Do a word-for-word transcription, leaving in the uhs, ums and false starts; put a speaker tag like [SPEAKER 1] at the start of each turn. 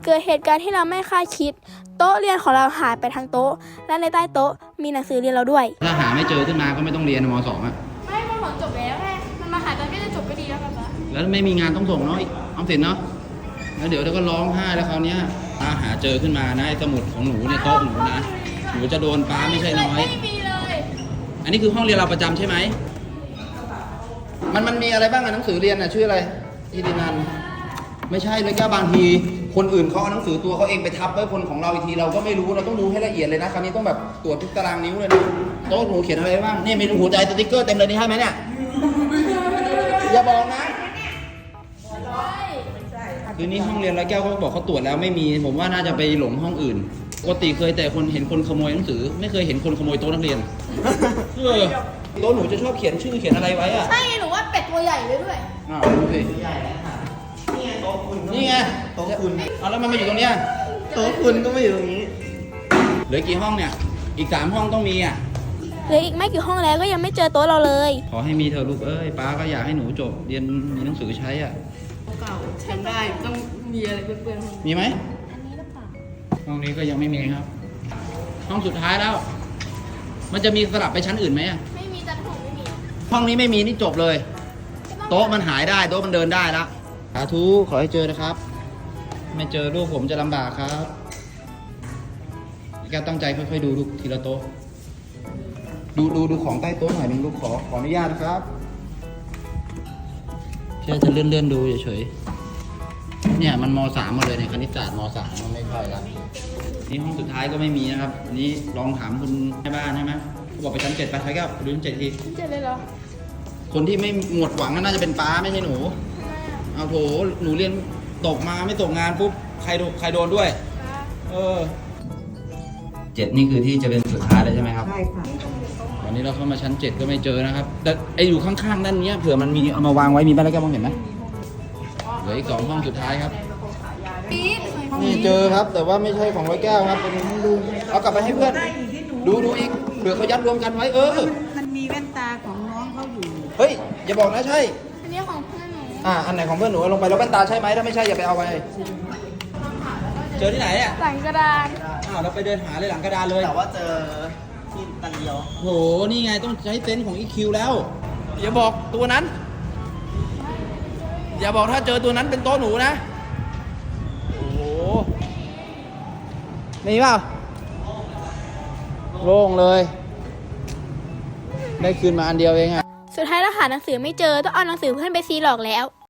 [SPEAKER 1] เกิดเหตุการณ์ที่เราไม่คาดคิดโต๊ะเรียนของเราหายไปทั้งโต๊ะและในใต้โต๊ะมีหนังสือเรียนเราด้วย
[SPEAKER 2] ถ้าหาไม่เจอขึ้นมาก็ไม่ต้องเรียนม.สอง อ่ะ
[SPEAKER 1] ไม่ม.สองจบแล้วไงมันมาหาตอนก็จะจบก็ดีแล้วกันปะ
[SPEAKER 2] แล้วไม่มีงานต้องส่งเนาะออมสินเนาะแล้วเดี๋ยวเราก็ร้องไห้แล้วคราวนี้ถ้าหาเจอขึ้นมานะสมุดของหนูในโต๊ะหนูนะหนูจะโดนป้าไม่ใช่น้อย
[SPEAKER 1] ไม่มีเลย
[SPEAKER 2] อันนี้คือห้องเรียนเราประจำใช่ไหมมันมันมีอะไรบ้างอะหนังสือเรียนอะชื่ออะไรอีดินันไม่ใช่เลยก็บางทีคนอื่นเขาเอาหนังสือตัวเขาเองไปทับไว้คนของเราอีกทีเราก็ไม่รู้เราต้องดูให้ละเอียดเลยนะคราวนี้ต้องแบบตรวจทุกตารางนิ้วเลยนะโต๊ะหนูเขียนอะไรบ้างนี่มีหัวใจสติ๊กเกอร์เต็มเลยนี่ใช่ไหมเนี่ยอย่าบอกนะคือนี่ห้องเรียนร้อยแก้วเขาบอกเขาตรวจแล้วไม่มีผมว่าน่าจะไปหลงห้องอื่นปกติเคยแต่คนเห็นคนขโมยหนังสือไม่เคยเห็นคนขโมยโต๊ะนักเรียนเออโต๊ะหนูจะชอบเขียนชื่อเขียนอะไรไว้อะ
[SPEAKER 1] ใช่หนูว่าเป็ดตัวใหญ่เลยด้วย
[SPEAKER 2] อ้าวดูสิใหญ่แล้วค่ะนี่ไงโต๊ะคุณนี่ไงโต๊ะคุณเอาแล้วมันมาอยู่ตรงเนี้ย
[SPEAKER 3] โต๊ะคุณก็ไม่อยู่ตรงนี้
[SPEAKER 2] เหลือกี่ห้องเนี่ยอีกสามห้องต้องมีอ่ะ
[SPEAKER 1] เหลืออีกไม่กี่ห้องแล้วก็ยังไม่เจอโต๊ะเราเลย
[SPEAKER 2] ขอให้มีเธอลูกเอ้ยป้าก็อยากให้หนูจบเรียนมีหนังสือใช้อ่ะ
[SPEAKER 3] เก่าใช้ได้ต้องมีอะไรเปื้อน
[SPEAKER 2] ๆมีไหมห้องนี้ก็ยังไม่มีครับห้องสุดท้ายแล้วมันจะมีสลับไปชั้นอื่นไหมอ่ะ
[SPEAKER 1] ไม่มีจันทร์ไม่มี
[SPEAKER 2] ห้องนี้ไม่มีนี่จบเลยโต๊ะมันหายได้โต๊ะมันเดินได้ละสาธุขอให้เจอนะครับไม่เจอลูกผมจะลำบากครับแกตั้งใจค่อยๆดูลูกทีละโต๊ะดูดูดูของใต้โต๊ะหน่อยนึงลูกขอขออนุญาตนะครับแค่จะเลื่อนเลื่อนดูเฉยๆเนี่ยมันม.สามหมดเลยเนี่ยคณิตศาสตร์ม.สามมันไม่ค่อยละนี่ห้องสุดท้ายก็ไม่มีนะครับอันนี้ลองถามคุณแม่บ้านใช่ไหมเขาบอกไปชั้นเจ็ดไปใช่ก็ดูชั้นเจ็ดที
[SPEAKER 1] ชั้นเจ็ดเลยเหรอ
[SPEAKER 2] คนที่ไม่หมดหวังน่าจะเป็นป้าไม่ใช่หนูเอาโถหนูเรียนตกมาไม่ตกงานปุ๊บใครโดนใครโดนด้วยเออเจ็ดนี่คือที่จะเป็นสุดท้ายแล้วใช่ไหมครับใช่ค่ะวันนี้เราเข้ามาชั้นเจ็ดก็ไม่เจอนะครับแต่ไออยู่ข้างๆด้านนี้เผื่อมันมีเอามาวางไว้มีบ้านแล้วแกมองเห็นไหมเหลืออีกสองห้องสุดท้ายครับนี่เจอครับแต่ว่าไม่ใช่ของร้อยแก้วครับเป็นห้องดูเอากลับไปให้เพื่อนดูดูอีกเผื่อเขายัดรวมกันไว้เออ
[SPEAKER 3] มันมีแว่นตาของน้องเขาอยู่
[SPEAKER 2] เฮ้ยอย่าบอกนะใช่
[SPEAKER 1] อันนี้ของเพื่อนหนู
[SPEAKER 2] อ่าอันไหนของเพื่อนหนูลงไปแล้วแว่นตาใช่ไหมถ้าไม่ใช่อย่าไปเอาไปเจอที่ไหนอ่ะ
[SPEAKER 1] หลังกระดาน
[SPEAKER 2] อ้าวเราไปเดินหาเลยหลังกระดานเลย
[SPEAKER 3] แต่ว่าเจอที่ตันเดียว
[SPEAKER 2] โหนี่ไงต้องใช้เซนส์ของ อี คิว แล้วอย่าบอกตัวนั้นอย่าบอกถ้าเจอตัวนั้นเป็นโต๊ะหนูนะโอ้โหมีเปล่าโล่งเลยได้คืนมาอันเดียวเองอะ
[SPEAKER 1] สุดท้ายเราหาหนังสือไม่เจอต้องเอาหนังสือเพื่อนไปซีหลอกแล้ว